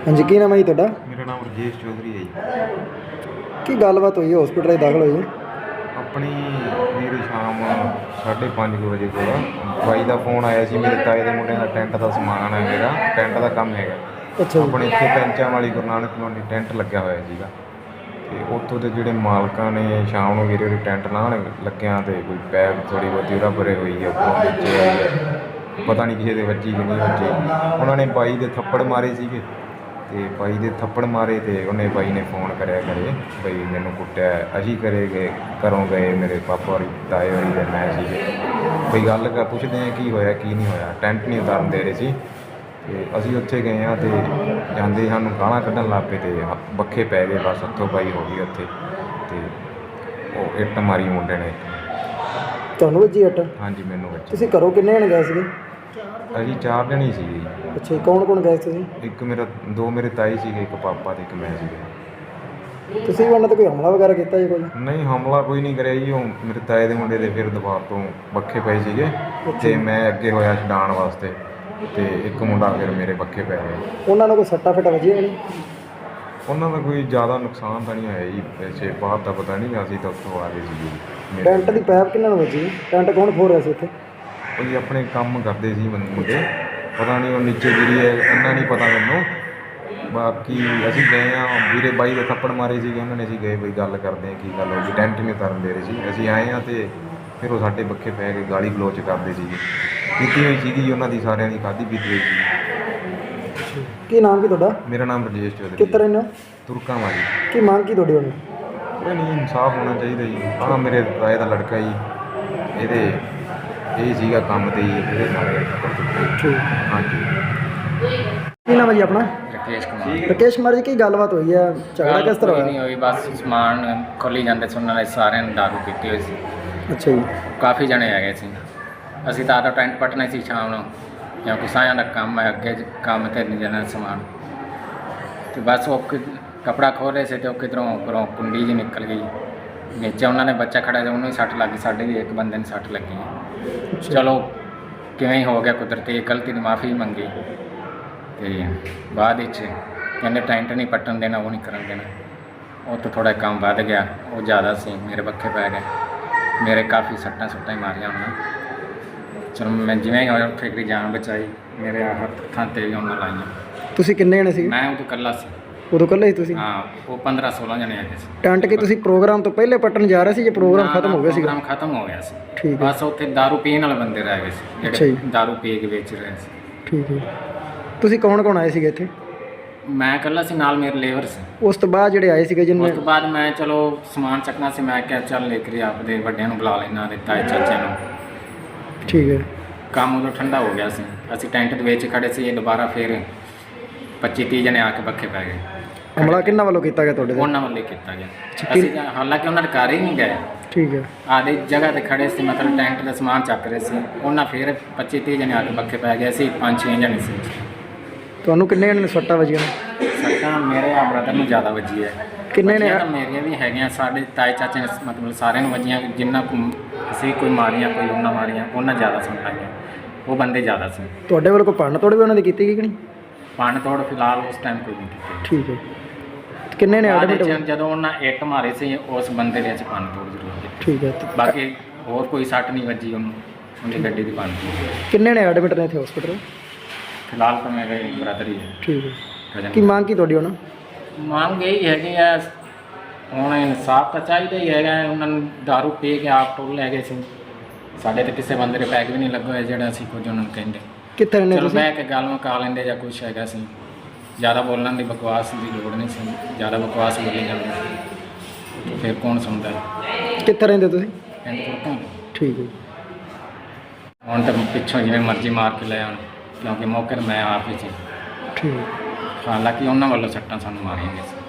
हाँ जी, की नाम है जी तुहाडा? मेरा नाम राजेश चौधरी है जी। की गलबात हुई है हॉस्पिटल दाखिल हुई है? अपनी ਵੀਰ ਸ਼ਾਮ 5:30 ਵਜੇ ਕੋਲ ਬਾਈ ਦਾ ਫੋਨ ਆਇਆ ਸੀ। ਮੇਰੇ ਤਾਏ ਦੇ ਮੁੰਡੇ ਦਾ ਟੈਂਟ ਦਾ ਸਮਾਨ ਹੈ, ਮੇਰਾ ਟੈਂਟ ਦਾ ਕੰਮ ਹੈਗਾ। ਅੱਛਾ ਜੀ। ਆਪਣੇ ਇੱਥੇ ਪੈਂਚਾਂ ਵਾਲੀ ਗੁਰੂ ਨਾਨਕ ਕਲੋਨੀ ਟੈਂਟ ਲੱਗਿਆ ਹੋਇਆ ਸੀਗਾ, ਅਤੇ ਉੱਥੋਂ ਦੇ ਜਿਹੜੇ ਮਾਲਕਾਂ ਨੇ ਸ਼ਾਮ ਨੂੰ ਮੇਰੇ ਟੈਂਟ ਲਾਹਣ ਲੱਗਿਆਂ ਅਤੇ ਕੋਈ ਪੈਪ ਥੋੜ੍ਹੀ ਬਹੁਤੀ ਉਰਾ ਪਰੇ ਹੋਈ ਹੈ, ਉੱਪਰੋਂ ਵਿੱਚ ਆਈ ਹੈ, ਪਤਾ ਨਹੀਂ ਕਿਸੇ ਦੇ ਵੱਜੀ ਕਿ ਨਹੀਂ ਵੱਜੀ। ਉਹਨਾਂ ਨੇ ਬਾਈ ਦੇ ਥੱਪੜ ਮਾਰੇ ਸੀਗੇ, ਅਤੇ ਬਾਈ ਦੇ ਥੱਪੜ ਮਾਰੇ ਅਤੇ ਉਹਨੇ ਬਾਈ ਨੇ ਫੋਨ ਕਰਿਆ ਘਰੇ ਬਈ ਮੈਨੂੰ ਕੁੱਟਿਆ। ਅਸੀਂ ਘਰੇ ਗਏ, ਘਰੋਂ ਗਏ, ਮੇਰੇ ਪਾਪਾ ਹੋਰੀ, ਤਾਏ ਹੋਰੀ ਅਤੇ ਮੈਂ ਸੀਗੇ। ਬਈ ਗੱਲ ਪੁੱਛਦੇ ਹਾਂ ਕੀ ਹੋਇਆ ਕੀ ਨਹੀਂ ਹੋਇਆ। ਟੈਂਟ ਨਹੀਂ ਉਤਾਰਨ ਦੇ ਰਹੇ ਸੀ ਅਤੇ ਅਸੀਂ ਉੱਥੇ ਗਏ ਹਾਂ ਅਤੇ ਜਾਂਦੇ ਸਾਨੂੰ ਗਾਲਾਂ ਕੱਢਣ ਲੱਗ ਪਏ ਅਤੇ ਬੱਖੇ ਪੈ ਗਏ। ਬਸ ਹੱਥੋਂ ਪਾਈ ਹੋ ਗਈ ਉੱਥੇ, ਅਤੇ ਉਹ ਇੱਟ ਮਾਰੀ ਮੁੰਡੇ ਨੇ। ਤੁਹਾਨੂੰ ਵੱਜੀ ਇੱਟ? ਹਾਂਜੀ, ਮੈਨੂੰ ਵੱਜੀ। ਤੁਸੀਂ ਘਰੋਂ ਕਿੰਨੇ ਜਣੇ ਗਏ ਸੀਗੇ? ਅਸੀਂ 4 ਜਣੇ ਹੀ ਸੀਗੇ ਜੀ। ਅੱਛਾ ਜੀ, ਕੌਣ ਕੌਣ ਗਏ ਤੁਸੀਂ? ਦੋ ਮੇਰੇ ਤਾਈ ਸੀਗੇ, ਇੱਕ ਪਾਪਾ ਅਤੇ ਇੱਕ ਮੈਂ ਸੀਗੇ। ਤੁਸੀਂ ਵੀ ਉਹਨਾਂ 'ਤੇ ਕੋਈ ਹਮਲਾ ਵਗੈਰਾ ਕੀਤਾ ਜੀ ਕੋਈ? ਨਹੀਂ, ਹਮਲਾ ਕੋਈ ਨਹੀਂ ਕਰਿਆ ਜੀ। ਉਹ ਮੇਰੇ ਤਾਏ ਦੇ ਮੁੰਡੇ ਦੇ ਫਿਰ ਦੁਬਾਰ ਤੋਂ ਬੱਖੇ ਪਏ ਸੀਗੇ ਅਤੇ ਮੈਂ ਅੱਗੇ ਹੋਇਆ ਛਡਾਉਣ ਵਾਸਤੇ, ਅਤੇ ਇੱਕ ਮੁੰਡਾ ਫਿਰ ਮੇਰੇ ਬੱਖੇ ਪੈ ਗਿਆ। ਉਹਨਾਂ ਨੂੰ ਕੋਈ ਸੱਟਾਂ ਫੇਟਾਂ ਵੱਜੀਆਂ ਨਹੀਂ? ਉਹਨਾਂ ਦਾ ਕੋਈ ਜ਼ਿਆਦਾ ਨੁਕਸਾਨ ਤਾਂ ਨਹੀਂ ਹੋਇਆ ਜੀ, ਵੈਸੇ ਬਾਹਰ ਦਾ ਪਤਾ ਨਹੀਂ, ਅਸੀਂ ਤਾਂ ਉੱਥੋਂ ਆ ਗਏ ਸੀਗੇ। ਟੈਂਟ ਦੀ ਪੈਪ ਕਿਹਨਾਂ ਨੂੰ ਵੱਜੀ? ਟੈਂਟ ਕੌਣ ਖੋਲ ਰਿਹਾ ਸੀ ਉੱਥੇ? ਉਹ ਜੀ ਆਪਣੇ ਕੰਮ ਕਰਦੇ ਸੀ ਮੁੰਡੇ, ਪਤਾ ਨਹੀਂ ਉਹ ਨੀਚੇ ਗਿਰੀ ਹੈ, ਇੰਨਾ ਨਹੀਂ ਪਤਾ ਮੈਨੂੰ। ਬਾਕੀ ਅਸੀਂ ਗਏ ਹਾਂ, ਵੀਰੇ ਬਾਈ ਦੇ ਥੱਪੜ ਮਾਰੇ ਸੀਗੇ ਉਹਨਾਂ ਨੇ। ਅਸੀਂ ਗਏ ਬਈ ਗੱਲ ਕਰਦੇ ਹਾਂ ਕੀ ਗੱਲ ਹੋ ਗਈ, ਟੈਂਟ ਨਹੀਂ ਉਤਾਰਨ ਦੇ ਰਹੇ ਸੀ। ਅਸੀਂ ਆਏ ਹਾਂ ਅਤੇ ਫਿਰ ਉਹ ਸਾਡੇ ਬੱਖੇ ਪੈ ਕੇ ਗਾਲੀ ਗਲੋਚ ਕਰਦੇ ਸੀਗੇ। ਕੀਤੀ ਹੋਈ ਸੀਗੀ ਉਹਨਾਂ ਦੀ, ਸਾਰਿਆਂ ਦੀ ਖਾਧੀ ਪੀਤੀ ਹੋਈ ਸੀ। ਕੀ ਨਾਮ ਕੀ ਤੁਹਾਡਾ? ਮੇਰਾ ਨਾਮ ਰਾਜੇਸ਼ ਚੌਧਰੀ। ਕਿੱਥੇ ਰਹਿੰਦੇ ਹੋ? ਤੁਰਕਾਂ ਵਾਲੀ। ਕੀ ਮੰਗ ਕੀ ਤੁਹਾਡੀ ਹੁਣ? ਕੋਈ ਨਹੀਂ, ਇਨਸਾਫ ਹੋਣਾ ਚਾਹੀਦਾ ਜੀ। ਆਹ ਮੇਰੇ ਤਾਏ ਦਾ ਲੜਕਾ ਜੀ, ਇਹਦੇ ਇਹ ਸੀਗਾ ਕੰਮ 'ਤੇ ਜੀ, ਇਹਦੇ ਨਾਲ ਠੀਕ। ਹਾਂਜੀ। ਕੀ ਨਾਮ ਹੈ ਜੀ ਆਪਣਾ? ਰਕੇਸ਼ ਕੁਮਾਰ। ਰਕੇਸ਼ ਕੁਮਾਰ ਜੀ, ਕੀ ਗੱਲਬਾਤ ਹੋਈ ਹੈ? ਝਗੜਾ ਕਿਸ ਤਰ੍ਹਾਂ ਕੋਈ ਹੋਇਆ? ਨਹੀਂ ਹੋਈ, ਬਸ ਸਮਾਨ ਖੋਲੀ ਜਾਂਦੇ ਸੀ, ਉਹਨਾਂ ਨੇ ਸਾਰਿਆਂ ਨੇ ਦਾਰੂ ਪੀਤੀ ਹੋਈ ਸੀ। ਅੱਛਾ ਜੀ। ਕਾਫੀ ਜਣੇ ਹੈਗੇ ਸੀ। ਅਸੀਂ ਤਾਂ ਟੈਂਟ ਪੱਟਣਾ ਸੀ ਸ਼ਾਮ ਨੂੰ, ਕਿਉਂਕਿ ਸਾਰਿਆਂ ਦਾ ਕੰਮ ਹੈ ਅੱਗੇ ਕੰਮ 'ਤੇ ਨਹੀਂ ਜਾਣਾ ਸਮਾਨ। ਅਤੇ ਬਸ ਉਹ ਕੱਪੜਾ ਖੋਲ੍ਹ ਰਹੇ ਸੀ ਅਤੇ ਉਹ ਕਿਧਰੋਂ ਉੱਪਰੋਂ ਕੁੰਡੀ ਜਿਹੀ ਨਿਕਲ ਗਈ ਨੀਚੇ। ਉਹਨਾਂ ਨੇ ਬੱਚਾ ਖੜ੍ਹਾ ਸੀ, ਉਹਨੂੰ ਹੀ ਸੱਟ ਲੱਗ ਗਈ, ਸਾਡੇ ਵੀ ਇੱਕ ਬੰਦੇ ਨੂੰ ਸੱਟ ਲੱਗੀ। ਚਲੋ ਕਿਵੇਂ ਹੀ ਹੋ ਗਿਆ, ਕੁਦਰਤੀ ਗਲਤੀ ਦੀ ਮਾਫੀ ਮੰਗੀ। ਅਤੇ ਬਾਅਦ ਵਿੱਚ ਕਹਿੰਦੇ ਟੈਂਟ ਨਹੀਂ ਪੱਟਣ ਦੇਣਾ, ਉਹ ਨਹੀਂ ਕਰਨ ਦੇਣਾ। ਉਹ ਤੋਂ ਥੋੜ੍ਹਾ ਕੰਮ ਵੱਧ ਗਿਆ, ਉਹ ਜ਼ਿਆਦਾ ਸੀ, ਮੇਰੇ ਬੱਖੇ ਪੈ ਗਏ। ਮੇਰੇ ਕਾਫੀ ਸੱਟਾਂ ਹੀ ਮਾਰੀਆਂ ਉਹਨਾਂ। ਚਲੋ ਮੈਂ ਜਿਵੇਂ ਹੀ ਹੋਇਆ ਉੱਥੇ ਇੱਕ ਜਾਨ ਬਚਾਈ, ਮੇਰੇ ਹੱਥਾਂ 'ਤੇ ਵੀ ਉਹਨਾਂ ਲਾਈਆਂ। ਤੁਸੀਂ ਕਿੰਨੇ ਜਣੇ ਸੀ? ਮੈਂ ਉਦੋਂ ਇਕੱਲਾ ਸੀ। ਉਦੋਂ ਇਕੱਲੇ ਸੀ ਤੁਸੀਂ? ਹਾਂ, ਉਹ 15-16 ਜਣੇ ਹੈਗੇ ਸੀ। ਟੈਂਟ ਕੀ ਤੁਸੀਂ ਪ੍ਰੋਗਰਾਮ ਤੋਂ ਪਹਿਲੇ ਪੱਟਣ ਜਾ ਰਹੇ ਸੀ ਜਾਂ ਪ੍ਰੋਗਰਾਮ ਖਤਮ ਹੋ ਗਿਆ ਸੀ? ਪ੍ਰੋਗਰਾਮ ਖਤਮ ਹੋ ਗਿਆ ਸੀ। ਠੀਕ ਹੈ। ਬਸ ਉੱਥੇ ਦਾਰੂ ਪੀਣ ਵਾਲੇ ਬੰਦੇ ਰਹਿ ਗਏ ਸੀ, ਅੱਛਾ ਜਿਹੜੇ ਜੀ। ਦਾਰੂ ਪੀ ਕੇ ਵੇਚ ਰਹੇ ਸੀ। ਠੀਕ ਹੈ। ਤੁਸੀਂ ਕੌਣ ਕੌਣ ਆਏ ਸੀਗੇ ਇੱਥੇ? ਮੈਂ ਇਕੱਲਾ ਸੀ, ਨਾਲ ਮੇਰੇ ਲੇਬਰ ਸੀ। ਉਸ ਤੋਂ ਬਾਅਦ ਜਿਹੜੇ ਆਏ ਸੀਗੇ ਉਸ ਜਿਹਨੇ? ਤੋਂ ਬਾਅਦ ਮੈਂ ਚਲੋ ਸਮਾਨ ਚੱਕਣਾ ਸੀ, ਮੈਂ ਕਿਹਾ ਚੱਲ ਲੈ ਕੇ ਆਪਦੇ ਵੱਡਿਆਂ ਨੂੰ ਬੁਲਾ ਲੈਣਾ, ਦਿੱਤਾ ਹੈ ਚਾਚੇ ਨੂੰ। ਠੀਕ ਹੈ। ਕੰਮ ਉਦੋਂ ਠੰਡਾ ਹੋ ਗਿਆ ਸੀ, ਅਸੀਂ ਟੈਂਟ ਦੇ ਵਿੱਚ ਖੜ੍ਹੇ ਸੀ। ਇਹ ਦੁਬਾਰਾ ਫਿਰ 25-30 ਜਣੇ ਆ ਕੇ ਬੱਖੇ ਪੈ ਗਏ। ਹਮਲਾ ਕਿਹਨਾਂ ਵੱਲੋਂ ਕੀਤਾ ਗਿਆ ਤੁਹਾਡੇ ਤੇ? ਉਹਨਾਂ ਵੱਲੋਂ ਕੀਤਾ ਗਿਆ। ਅਸੀਂ ਹਾਲਾਂਕਿ ਉਹਨਾਂ ਦੇ ਘਰ ਹੀ ਨਹੀਂ ਗਏ, ਠੀਕ ਹੈ। ਆਦੇ ਜਗ੍ਹਾ 'ਤੇ ਖੜ੍ਹੇ ਸੀ, ਮਤਲਬ ਟੈਂਟ ਦਾ ਸਮਾਨ ਚੱਕ ਰਹੇ ਸੀ। ਉਹਨਾਂ ਫਿਰ 25-30 ਜਣੇ ਆ ਕੇ ਬੱਖੇ ਪੈ ਗਏ। ਅਸੀਂ 5-6 ਜਣੇ ਸੀ। ਤੁਹਾਨੂੰ ਕਿੰਨੇ ਜਣੇ ਨੇ ਸੱਟਾਂ ਵੱਜੀਆਂ ਨੇ? ਸੱਟਾਂ ਮੇਰੇ ਆ ਬ੍ਰਦਰ ਨੂੰ ਜ਼ਿਆਦਾ ਵੱਜੀ ਹੈ। ਕਿੰਨੇ ਨੇ? ਤਾਂ ਮੇਰੀਆਂ ਵੀ ਹੈਗੀਆਂ, ਸਾਡੇ ਤਾਏ ਚਾਚੇ ਨੇ ਮਤਲਬ ਸਾਰਿਆਂ ਨੂੰ ਵੱਜੀਆਂ। ਜਿੰਨਾ ਕੁ ਅਸੀਂ ਕੋਈ ਮਾਰੀਆਂ, ਕੋਈ ਉਹਨਾਂ ਮਾਰੀਆਂ, ਉਹਨਾਂ ਜ਼ਿਆਦਾ ਸੱਟਾਂ ਆਈਆਂ। ਉਹ ਬੰਦੇ ਜ਼ਿਆਦਾ ਸੀ। ਤੁਹਾਡੇ ਵੱਲ ਕੋਈ ਭੰਨ ਤੋੜ ਵੀ ਉਹਨਾਂ ਦੀ ਕੀਤੀ ਗਈ ਕਿ ਨਹੀਂ? ਭੰਨ ਤੋੜ ਫਿਲਹਾਲ ਉਸ ਟਾਈਮ ਕੋਈ ਨਹੀਂ ਕੀਤੀ। ਠੀਕ ਹੈ। ਕਿੰਨੇ ਨੇ ਐਡਮਿਟ? ਜਦੋਂ ਉਹਨਾਂ ਇੱਟ ਮਾਰੇ ਸੀ, ਉਸ ਬੰਦੇ ਦੇ ਵਿੱਚ ਭੰਨ ਤੋੜ ਜ਼ਰੂਰ ਕੀਤੀ। ਠੀਕ ਹੈ। ਬਾਕੀ ਹੋਰ ਕੋਈ ਸੱਟ ਨਹੀਂ ਵੱਜੀ ਉਹਨੂੰ, ਉਹਦੀ ਗੱਡੀ ਦੀ ਭੰਨ ਤੋੜ। ਕਿੰਨੇ ਨੇ ਐਡਮਿਟ ਨੇ ਇੱਥੇ ਹਸਪੀਟਲ? ਫਿਲਹਾਲ ਤਾਂ ਮੇਰੇ ਬ੍ਰਦਰ ਹੀ ਹੈ। ਠੀਕ ਹੈ। ਕੀ ਮੰਗ ਕੀ ਤੁਹਾਡੀ ਹੁਣ? ਮੰਗ ਇਹੀ ਹੈਗੀ ਆ, ਹੁਣ ਇਨਸਾਫ ਤਾਂ ਚਾਹੀਦਾ ਹੀ ਹੈਗਾ। ਉਹਨਾਂ ਨੂੰ ਦਾਰੂ ਪੀ ਕੇ ਆਪ ਟੋਲ ਲੈ ਗਏ ਸੀ। ਸਾਡੇ ਤਾਂ ਕਿਸੇ ਬੰਦੇ ਦੇ ਪੈਗ ਵੀ ਨਹੀਂ ਲੱਗੇ ਹੋਏ ਜਿਹੜਾ ਅਸੀਂ ਕੁਝ ਉਹਨਾਂ ਨੂੰ ਕਹਿੰਦੇ। ਕਿੱਥੇ ਰਹਿੰਦੇ ਚਲੋ ਤੁਸੀਂ? ਬਹਿ ਕੇ ਗੱਲ ਮੁਕਾ ਲੈਂਦੇ ਜਾਂ ਕੁਛ ਹੈਗਾ ਸੀ। ਜ਼ਿਆਦਾ ਬੋਲਣ ਦੀ ਬਕਵਾਸ ਦੀ ਲੋੜ ਨਹੀਂ ਸੀ, ਜ਼ਿਆਦਾ ਬਕਵਾਸ ਬੋਲੀ ਜਾਂਦੀ ਸੀ। ਫਿਰ ਕੌਣ ਸੁਣਦਾ? ਕਿੱਥੇ ਰਹਿੰਦੇ ਤੁਸੀਂ? ਪਿੰਡ ਤੁਰਕਾਂ। ਠੀਕ ਹੈ। ਹੁਣ ਤਾਂ ਪਿੱਛੋਂ ਜਿਵੇਂ ਮਰਜ਼ੀ ਮਾਰ ਕੇ ਲੈ ਆਉਣ, ਕਿਉਂਕਿ ਮੌਕੇ 'ਤੇ ਮੈਂ ਆਪ ਹੀ ਸੀ। ਠੀਕ ਹੈ। ਹਾਲਾਂਕਿ ਉਹਨਾਂ ਵੱਲੋਂ ਸੱਟਾਂ ਸਾਨੂੰ ਮਾਰੀਆਂ ਗਈਆਂ ਸੀ।